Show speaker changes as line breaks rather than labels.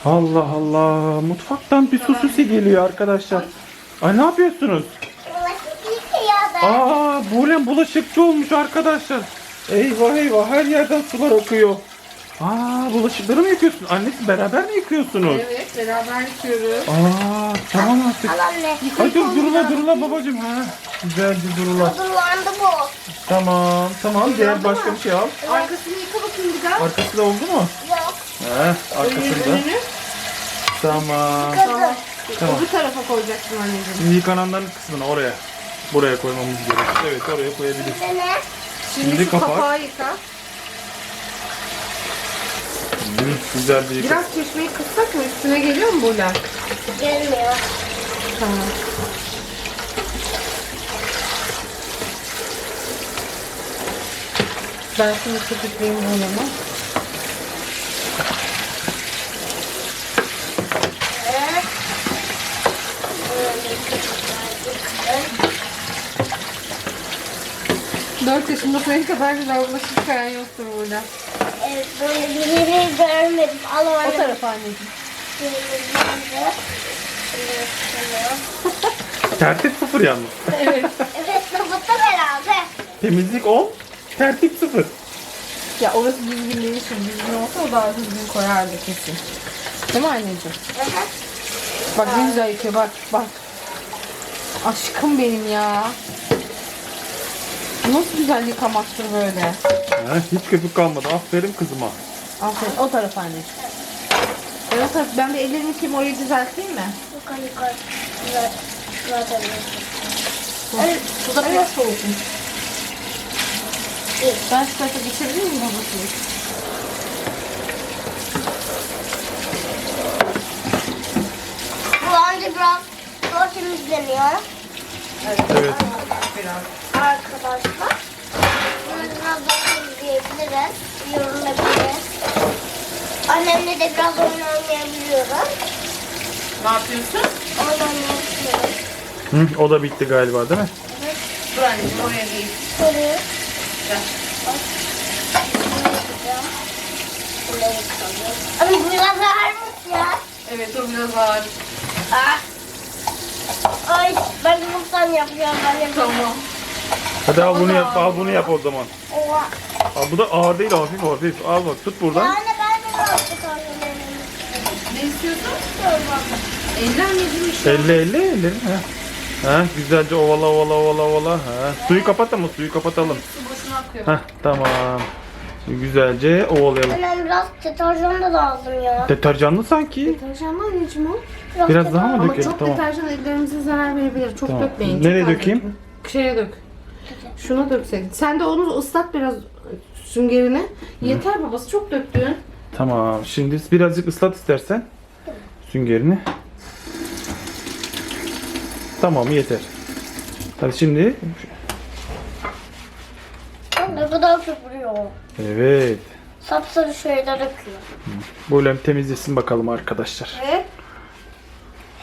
Allah Allah. Mutfaktan bir su sesi geliyor arkadaşlar. Ay ne yapıyorsunuz? Aa, Buğlem bulaşıkçı olmuş arkadaşlar. Eyvah eyvah, her yerden sular akıyor. Aa, bulaşıkları mı yıkıyorsun? Annesi, beraber mi yıkıyorsunuz?
Evet, beraber yıkıyoruz.
Aa, tamam artık.
Al anne.
Hadi durula babacığım. Ha, güzel bir durula.
Durulandı bu.
Tamam. Diğer başka bir şey al.
Arkasını yıka bakayım bir daha.
Arkası da oldu mu?
Yok.
Arkasında.
Önünü.
Tamam.
Tamam.
Tamam.
Bu tarafa koyacaksın anneciğim.
Şimdi yıkananların kısmını buraya koymamız gerekiyor. Evet, oraya koyabiliriz.
Ne?
Şimdi
şu
kapak.
kapağı yıka.
Güzel bir yıka.
Biraz çeşmeyi kıssak mı? Üstüne geliyor mu bu lak?
Gelmiyor.
Tamam. Ben şimdi köpükleyeyim bunu. Dört yaşında senin kadar güzel bulaşık yıkayan yoktur burada.
Evet, böyle birini görmedim. Al
O
orada.
tarafa anneciğim.
Tertip sıfır yalnız.
Evet.
Evet, tabutta beraber.
Temizlik 10, tertip 0.
Ya orası düzgün değil şimdi. Düzgün olsa o daha düzgün koyardı kesin. Değil mi anneciğim? Bak ne güzel yıkıyor, bak. Aşkım benim ya. Nasıl güzel yıkamaktır böyle.
Hiç köpük kalmadı. Aferin kızıma.
Aferin, o taraf anneciğim. Evet, ben bir ellerimi yıkayayım, orayı düzelteyim mi?
Yukarı. Evet. Zaten.
Bu da biraz soğukmuş. Ben şu tarafa geçebilir miyim babacığım?
Bu anca biraz zor temizleniyor.
Evet.
Biraz.
Arkadaşlar. Bunu biraz zor temizleyebiliriz. Yorulabiliriz. Annemle de biraz oyun oynayabiliyoruz.
Ne yapıyorsun?
Oyun oynayabiliyoruz.
O da bitti galiba, değil mi?
Dur anneciğim, oraya değil.
Soruyor.
Gel.
Ama bu biraz ağırmış ya.
Evet, o biraz ağır.
Ay, ben de mutlan yapıyorum.
Tamam.
Hadi al bunu yap o zaman.
Oha.
Al, bu da ağır değil, hafif. Al bak, tut buradan.
Yani ben de yaptım annemin.
Ne istiyorsun? Eller anneciğim işte.
Elle ellerini. Güzelce ovala. Suyu kapat ama suyu kapatalım.
Su boşuna akıyor.
Tamam. Güzelce ovalayalım.
Annem biraz deterjan da lazım ya.
Deterjanlı sanki.
Deterjan mı anneciğim o?
Biraz daha mı
Ama
dökelim?
çok
Tamam.
deterjan ellerimize zarar verebilir. Çok
Tamam.
dökmeyin.
Nereye
çok az
dökeyim?
dökün. Şeye dök. Şuna dökseydin. Sen de onu ıslat biraz süngerini. Yeter babası, çok döktün.
Tamam. Şimdi birazcık ıslat istersen süngerini. Tamam, yeter. Hadi şimdi.
Ne kadar çok vuruyor.
Evet.
Sapsarı şeyler akıyor.
Böyle temizlesin bakalım arkadaşlar.
Evet.